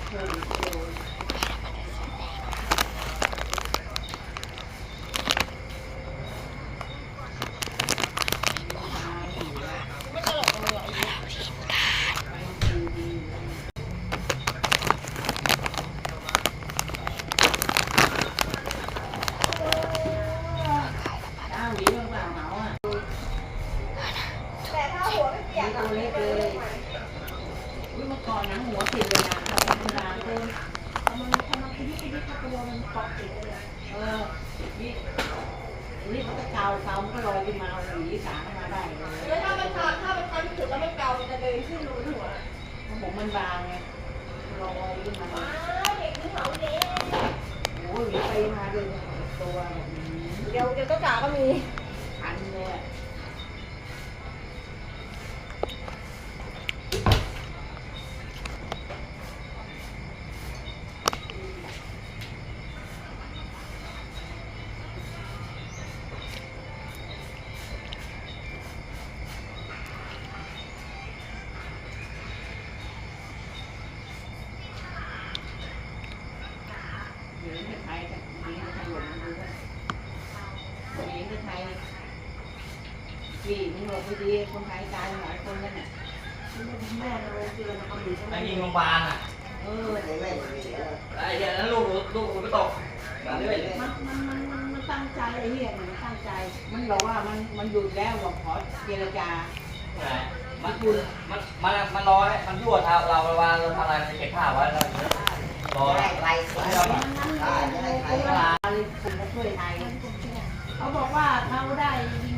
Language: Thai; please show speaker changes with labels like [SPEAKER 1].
[SPEAKER 1] ตัวเล็กเลยเมื่อก่อนนะหัวติดเลยนะธรรมดาเดินมันคิดตัวมันเกาะติดเลยนี่เขาจะเกามันก็ลอยขึ้นมาเอาหวีสางมาได้เลย
[SPEAKER 2] แล้วถ้ามันคันถึงแล้วมันเกามันจะเดินขึ้นรูหัว
[SPEAKER 1] ผมมันบางไงลอยขึ้นมา
[SPEAKER 2] เด็กนี่เหรอเด็ก
[SPEAKER 1] โอ้ยไปมาเลยตัวแบบนี้
[SPEAKER 2] เดี๋ยวก็จ๋าก็มี
[SPEAKER 1] อันเลยหญิงไทยหญิงไทยหลงดูว่าหญิงไทยพี่มึงหลงไปดีคนไทยตายหลายคนแล้วเนี่ยแม่เราเจอเขาอยู่
[SPEAKER 3] ไอ้ยิงโรงพยาบาลอ่ะไอ้เหี้ยนั้นลูกไม่ตก
[SPEAKER 1] มันตั้งใจไอ้เหี้ยมันตั้งใจมันบอกว่ามันหยุดแล้วบอกขอเจรจา
[SPEAKER 3] มันรอให้มันยั่วเราเวลาเราทำอะไรมันเก็บผ้าไว้แล้วรอ
[SPEAKER 1] อะไรช่วยไทยเขาบอกว่าเขาได้